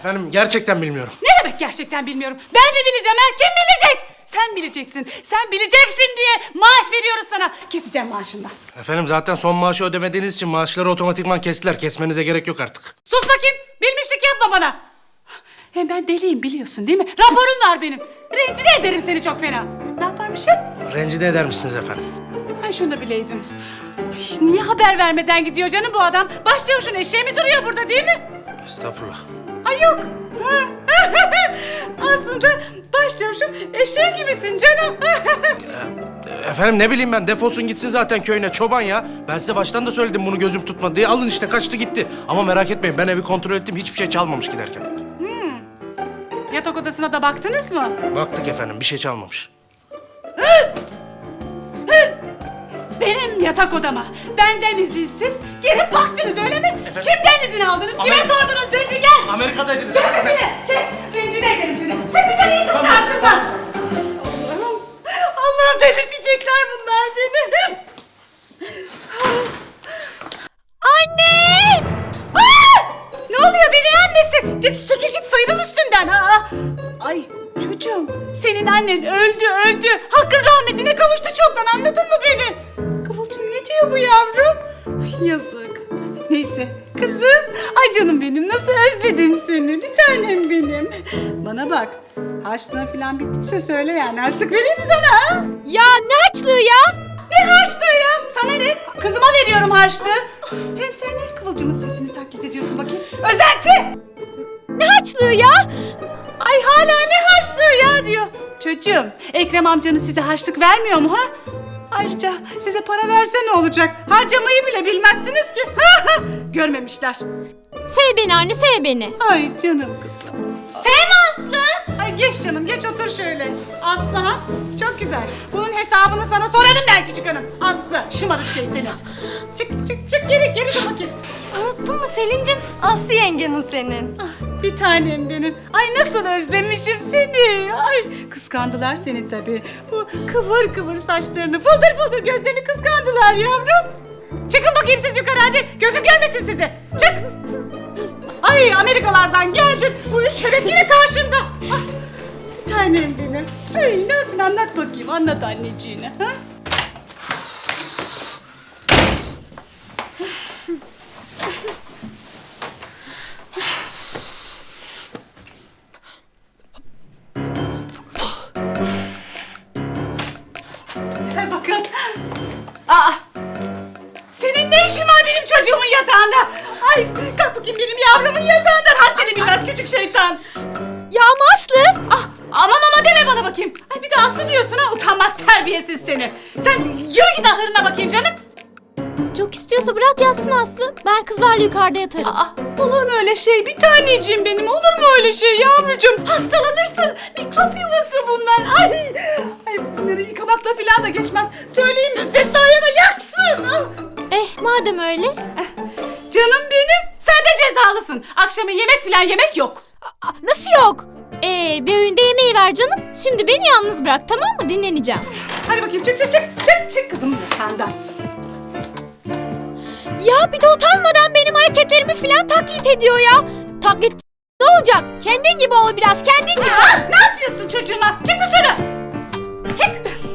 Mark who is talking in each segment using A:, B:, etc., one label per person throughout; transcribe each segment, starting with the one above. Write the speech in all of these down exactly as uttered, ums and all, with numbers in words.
A: Efendim gerçekten bilmiyorum.
B: Ne demek gerçekten bilmiyorum? Ben mi bileceğim ha? Kim bilecek? Sen bileceksin. Sen bileceksin diye maaş veriyoruz sana. Keseceğim maaşından.
A: Efendim zaten son maaşı ödemediğiniz için maaşları otomatikman kestiler. Kesmenize gerek yok artık.
B: Sus bakayım. Bilmişlik yapma bana. Hem ben deliyim biliyorsun değil mi? Raporum var benim. Rencide ederim seni çok fena. Ne yaparmışım?
A: Rencide eder misiniz efendim?
B: Ay şunu da bileydin. Ay, niye haber vermeden gidiyor canım bu adam? Başçavuşun eşeği mi duruyor burada değil mi?
A: Estağfurullah.
B: Ay yok. Aslında başçavuşun eşeği gibisin canım.
A: Efendim ne bileyim ben, defolsun gitsin zaten köyüne, çoban ya. Ben size baştan da söyledim bunu gözüm tutmadı diye. Alın işte, kaçtı gitti. Ama merak etmeyin, ben evi kontrol ettim, hiçbir şey çalmamış giderken.
B: Yatak odasına da baktınız mı?
A: Baktık efendim, bir şey çalmamış.
B: Benim yatak odama benden izinsiz girip baktınız öyle mi?
A: Efendim?
B: Kimden izin aldınız? Kime
A: Amerika-
B: sordunuz? Zülfü gel.
A: Amerika'daydınız
B: Kes
A: efendim.
B: sesini. Kes. Rencide ederim seni. Çık dışarı, yıkıl karşımdan. Allah'ım. Allah'ım delirtecekler bunlar beni.
C: Anne!
B: Aa! Ne oluyor beni annesi? De, çekil git, sıyrıl üstünden. Aa! Ay çocuğum, senin annen öldü öldü. Hakkın rahmetine kavuştu çoktan, anladın mı beni? Kıvılcım ne diyor bu yavrum? Ay, yazık. Neyse kızım. Ay canım benim, nasıl özledim seni. Bir tanem benim. Bana bak. Harçlığın falan bittiyse söyle yani. Harçlık vereyim mi sana ha?
C: Ya ne harçlığı ya?
B: Ne harçlığı ya? Sana ne? Kızıma veriyorum harçlığı. Hem sen niye Kıvılcım'ın sesini taklit ediyorsun bakayım? Özenti!
C: Ne harçlığı ya?
B: Ay hala ne harçlığı ya diyor. Çocuğum, Ekrem amcanız size harçlık vermiyor mu ha? Ayrıca size para verse ne olacak? Harcamayı bile bilmezsiniz ki. Görmemişler.
C: Sev beni anne, sev beni.
B: Ay canım kızım.
C: Sevme Aslı.
B: Ay geç canım, geç otur şöyle. Aslı ha? Çok güzel. Bunun hesabını sana sorarım ben küçük hanım. Aslı, şımarık şey seni. Çık çık çık, geri geri dur bakayım.
C: Unuttun mu Selin'cim? Aslı yengen o senin.
B: Ah, bir tanem benim. Ay nasıl özlemişim seni. Ay kıskandılar seni tabii. Bu kıvır kıvır saçlarını, fıldır fıldır gözlerini kıskandılar yavrum. Çıkın bakayım siz yukarı hadi. Gözüm görmesin sizi. Çık. Ay Amerikalardan geldim. Bu üç şeref yine karşımda. Ah, bir tanem benim. Ay ne yaptın, anlat bakayım. Anlat anneciğine. Ha? Bakın. Aa! Senin ne işin var benim çocuğumun yatağında? Ay kalk bakayım benim yavrumun yatağından. Haddini bilmez küçük şeytan.
C: Ya ama Aslı.
B: Ah, aman ama deme bana bakayım. Ay bir de Aslı diyorsun ha, utanmaz terbiyesiz seni. Sen yürü git ahırına bakayım canım.
C: Çok istiyorsa bırak yatsın Aslı. Ben kızlarla yukarıda yatarım.
B: Aa, olur mu öyle şey? Bir taneciğim benim, olur mu öyle şey yavrucuğum? Hastalanırsın. Mikrop yuvası bunlar. Ay, ay bunları yıkamakla falan da geçmez. Söyleyeyim müstesnaya da yaksın. Ah.
C: Eh madem öyle.
B: Canım benim, sen de cezalısın. Akşama yemek falan yemek yok.
C: Aa, nasıl yok? Ee, bir öğünde yemeği ver canım. Şimdi beni yalnız bırak, tamam mı? Dinleneceğim.
B: Hadi bakayım, çık çık çık çık çık kızım yatağından.
C: Ya bir de utanmadan benim hareketlerimi falan taklit ediyor ya. Taklit ne olacak? Kendin gibi ol biraz, kendin gibi.
B: Aa, ne yapıyorsun çocuğuma? Çık dışarı. Çık.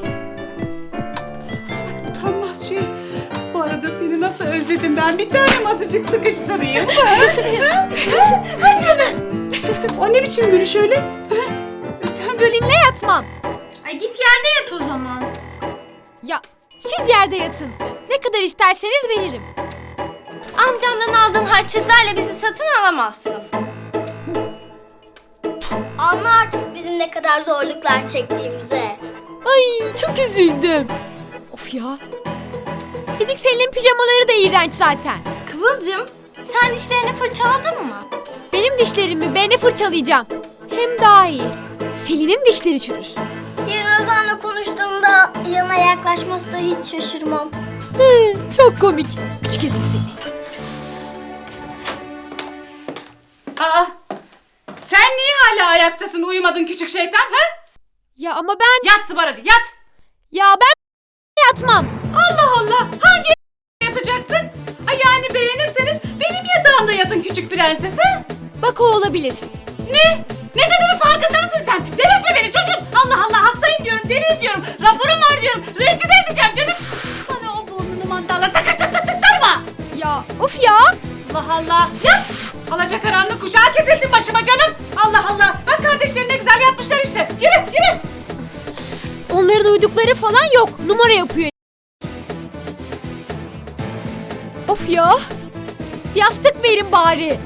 B: Utanmaz şey. Bu arada seni nasıl özledim ben. Bir tanem azıcık sıkıştırayım. Ay canım. O ne biçim gülüş öyle? Sen böyle...
C: Seninle yatmam.
D: Ay git yerde yat o zaman.
C: Ya siz yerde yatın. Ne kadar isterseniz veririm.
D: Amcamdan aldığın harçlıklarla bizi satın alamazsın. Anla artık bizim ne kadar zorluklar çektiğimize.
C: Ay çok üzüldüm. Of ya. Dedik Selin'in pijamaları da iğrenç zaten.
D: Kıvılcım, sen dişlerini fırçaladın mı?
C: Benim dişlerimi ben de fırçalayacağım. Hem daha iyi. Selin'in dişleri çürür.
D: Yarın Ozan'la konuştuğumda yanına yaklaşmazsa hiç şaşırmam.
C: Hı, çok komik. Küçük ezik seni.
B: Aa, sen niye hala ayaktasın, uyumadın küçük şeytan ha?
C: Ya ama ben...
B: Yat Zıbar hadi yat.
C: Ya ben yatmam.
B: Allah Allah, hangi yatacaksın? Ay yani beğenirseniz benim yatağımda yatın küçük prenses ha?
C: Bak o olabilir.
B: Ne? Ne dediğinin farkında mısın sen? Delirtme beni çocuğum. Allah Allah hastayım diyorum, deliyim diyorum. Raporum var diyorum. Rencide edeceğim canım. Bana o burnunu mandala sıkıştırtırtırma.
C: Ya of ya.
B: Allah Allah. Ya alacakaranlık kuşağı kesildin başıma canım. Allah Allah. Bak kardeşlerin ne güzel yapmışlar işte. Yürü yürü.
C: Onların uydukları falan yok. Numara yapıyor. Of ya. Yastık verin bari.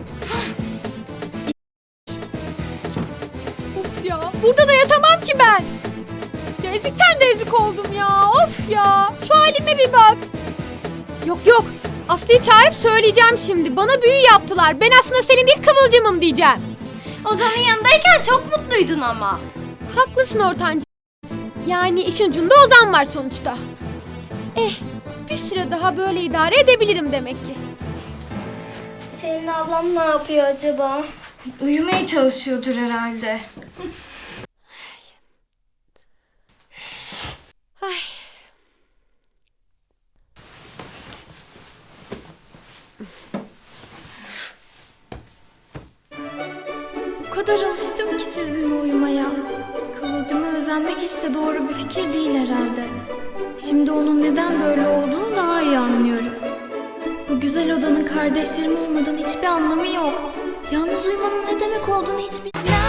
C: Of ya. Burada da yatamam ki ben. Ya ezikten de ezik oldum ya. Of ya. Şu halime bir bak. Yok yok. Aslı'yı çağırıp söyleyeceğim şimdi. Bana büyü yaptılar. Ben aslında senin değil Kıvılcım'ım diyeceğim.
D: Ozan'ın yanındayken çok mutluydun ama.
C: Haklısın ortancı. Yani işin ucunda Ozan var sonuçta. Eh, bir süre daha böyle idare edebilirim demek ki.
D: Senin ablam ne yapıyor acaba?
E: Uyumaya çalışıyordur herhalde.
C: Ay.
E: O kadar alıştım ki sizinle uyumaya. Kıvılcıma özenmek hiç de doğru bir fikir değil herhalde. Şimdi onun neden böyle olduğunu daha iyi anlıyorum. Bu güzel odanın kardeşlerim olmadan hiçbir anlamı yok. Yalnız uyumanın ne demek olduğunu hiç bilmiyorum.